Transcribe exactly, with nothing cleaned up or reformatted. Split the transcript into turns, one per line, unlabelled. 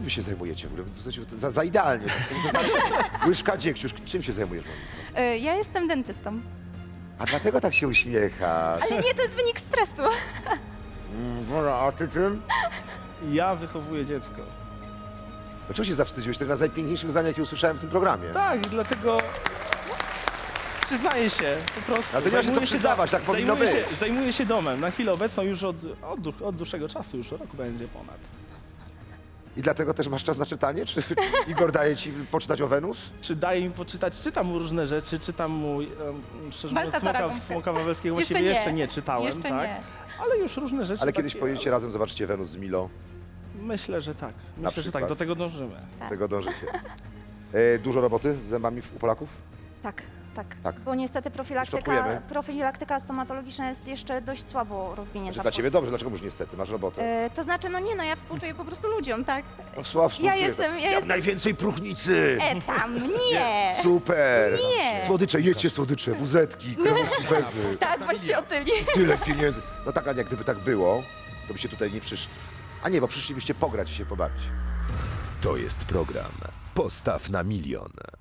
wy się zajmujecie w ogóle? Za, za idealnie. Tak. Łyżka, dziegciusz. Czym się zajmujesz, Moniko?
Y, Ja jestem dentystą.
A dlatego tak się uśmiecha.
Ale nie, to jest wynik stresu.
Mm, a ty czym?
Ja wychowuję dziecko.
Dlaczego się zawstydziłeś? To jedna z najpiękniejszych zdań, jakie usłyszałem w tym programie.
Tak, i dlatego przyznaję się po prostu.
Ale to nie ma się co
Zajmuję
przyznawać, tak powinno
zajmuję
być.
się, zajmuję się domem. Na chwilę obecną już od, od, dłu- od dłuższego czasu, już rok będzie ponad.
I dlatego też masz czas na czytanie? Czy Igor daje ci poczytać o Wenus?
Czy daje mi poczytać? Czytam mu różne rzeczy, czytam mu, um, szczerze mówiąc,
Baltazara
Smoka,
Gąbkę.
Smoka Wawelskiego
Jeszcze
właściwie
nie.
jeszcze nie czytałem,
Jeszcze
tak?
nie.
Ale już różne rzeczy
Ale kiedyś
takie,
pojedziecie razem, zobaczycie Wenus z Milo.
Myślę, że tak. Myślę, że
przykład.
tak. Do tego dążymy.
Tak.
Tego dążycie. E, dużo roboty z zębami w- u Polaków?
Tak, tak.
Tak.
Bo niestety profilaktyka,
Szczotujemy.
profilaktyka stomatologiczna jest jeszcze dość słabo rozwinięta.
Znaczy,
w
dla ciebie
Polsce.
dobrze, dlaczego już niestety? Masz robotę.
E, to znaczy, no nie, no ja współczuję po prostu ludziom, tak?
No, sław,
Ja jestem, ja jestem...
najwięcej próchnicy!
E, tam, nie!
Super!
Nie.
Słodycze, jedźcie słodycze, wuzetki, kremówki z bezy.
Tak, właśnie otyli.
Tyle pieniędzy. No tak, Ania, gdyby tak było, to byście tutaj nie przyszli. A nie, bo przyszlibyście pograć i się pobawić.
To jest program Postaw na milion.